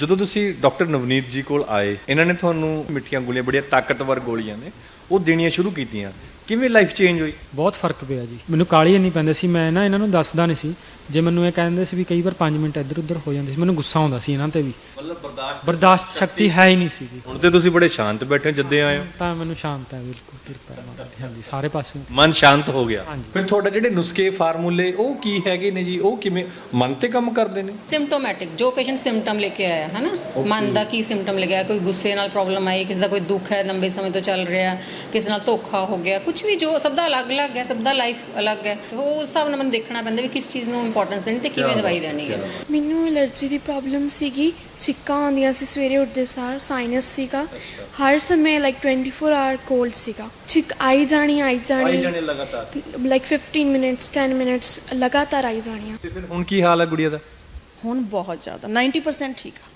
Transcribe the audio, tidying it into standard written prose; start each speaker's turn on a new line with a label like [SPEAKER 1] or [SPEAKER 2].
[SPEAKER 1] ਜਦੋਂ ਤੁਸੀਂ ਡਾਕਟਰ ਨਵਨੀਤ ਜੀ ਕੋਲ ਆਏ, ਇਹਨਾਂ ਨੇ ਤੁਹਾਨੂੰ ਮਿੱਠੀਆਂ ਗੋਲੀਆਂ, ਬੜੀਆਂ ਤਾਕਤਵਰ ਗੋਲੀਆਂ ਨੇ, ਉਹ ਦੇਣੀਆਂ ਸ਼ੁਰੂ ਕੀਤੀਆਂ, ਕਿਵੇਂ ਲਾਈਫ ਚੇਂਜ ਹੋਈ?
[SPEAKER 2] ਬਹੁਤ ਫਰਕ ਪਿਆ ਜੀ। ਮੈਨੂੰ ਕਾਹਲੀ ਇੰਨੀ ਪੈਂਦੀ ਸੀ, ਮੈਂ ਨਾ ਇਹਨਾਂ ਨੂੰ ਦੱਸਦਾ ਨਹੀਂ ਸੀ। ਜੇ ਮੈਨੂੰ ਇਹ ਕਹਿੰਦੇ ਸੀ ਵੀ ਕਈ ਵਾਰ 5 ਮਿੰਟ ਇੱਧਰ ਉੱਧਰ ਹੋ ਜਾਂਦੇ ਸੀ, ਮੈਨੂੰ ਗੁੱਸਾ ਆਉਂਦਾ ਸੀ ਇਹਨਾਂ ਤੇ ਵੀ।
[SPEAKER 1] ਮਤਲਬ
[SPEAKER 2] ਬਰਦਾਸ਼ਤ ਸ਼ਕਤੀ ਹੈ ਹੀ ਨਹੀਂ ਸੀਗੀ।
[SPEAKER 1] ਹੁਣ ਤੇ ਤੁਸੀਂ ਬੜੇ ਸ਼ਾਂਤ ਬੈਠੇ ਹੋ ਜਦੇ ਆਏ ਹੋ,
[SPEAKER 2] ਤਾਂ ਮੈਨੂੰ ਸ਼ਾਂਤ ਹੈ ਬਿਲਕੁਲ, ਕਿਰਪਾ ਹੈ ਮਾਤਾ ਦੀ। ਹਾਂਜੀ, ਸਾਰੇ ਪਾਸੇ
[SPEAKER 1] ਮਨ ਸ਼ਾਂਤ ਹੋ ਗਿਆ।
[SPEAKER 2] ਹਾਂਜੀ।
[SPEAKER 1] ਫਿਰ ਤੁਹਾਡੇ ਜਿਹੜੇ ਨੁਸਖੇ ਫਾਰਮੂਲੇ ਉਹ ਕੀ ਹੈਗੇ ਨੇ ਜੀ? ਉਹ ਕਿਵੇਂ ਮਨ ਤੇ ਕੰਮ ਕਰਦੇ ਨੇ?
[SPEAKER 3] ਸਿੰਪਟੋਮੈਟਿਕ, ਜੋ ਪੇਸ਼ੈਂਟ ਸਿੰਪਟਮ ਲੈ ਕੇ ਆਇਆ ਹੈ ਨਾ, ਮਨ ਦਾ ਕੀ ਸਿੰਪਟਮ ਲੈ ਕੇ ਆਇਆ, ਕੋਈ ਗੁੱਸੇ ਨਾਲ ਪ੍ਰੋਬਲਮ ਆਈ, ਕਿਸੇ ਦਾ ਕੋਈ ਦੁੱਖ ਹੈ ਲੰਬੇ ਸਮੇਂ ਤੋਂ ਚੱਲ ਰਿਹਾ, ਕਿਸੇ ਨਾਲ ਧੋਖਾ ਹੋ ਗਿਆ, ਕੁਝ ਵੀ, ਜੋ ਸਭ ਦਾ ਅਲੱਗ-ਅਲੱਗ ਹੈ, ਸਭ ਦਾ ਲਾਈਫ ਅਲੱਗ ਹੈ। ਉਹ ਹਿਸਾਬ ਨਾਲ ਮੈਨੂੰ ਦੇਖਣਾ ਪੈਂਦਾ ਵੀ ਕਿਸ ਚੀਜ਼ ਨੂੰ ਇੰਪੋਰਟੈਂਸ ਦੇਣੀ ਤੇ ਕਿਵੇਂ ਦਵਾਈ ਦੇਣੀ ਹੈ।
[SPEAKER 4] ਮੈਨੂੰ ਐਲਰਜੀ ਦੀ ਪ੍ਰੋਬਲਮ ਸੀਗੀ, ਛਿੱਕਾਂ ਆਉਂਦੀਆਂ ਸੀ ਸਵੇਰੇ ਉੱਠਦੇ ਸਾਰ, ਸਾਈਨਸ ਸੀਗਾ, ਹਰ ਸਮੇਂ ਲਾਈਕ 24 ਆਵਰ ਕੋਲਡ ਸੀਗਾ, ਛਿੱਕ ਆਈ ਜਾਣੀ
[SPEAKER 1] ਲਗਾਤਾਰ
[SPEAKER 4] ਲਾਈਕ 15 ਮਿੰਟਸ 10 ਮਿੰਟਸ ਲਗਾਤਾਰ ਆਈ ਜਾਣੀਆਂ।
[SPEAKER 1] ਤੇ ਫਿਰ ਹੁਣ ਕੀ ਹਾਲ ਹੈ ਗੁੜੀਆ ਦਾ?
[SPEAKER 5] ਹੁਣ ਬਹੁਤ ਜ਼ਿਆਦਾ 90% ਠੀਕ ਆ।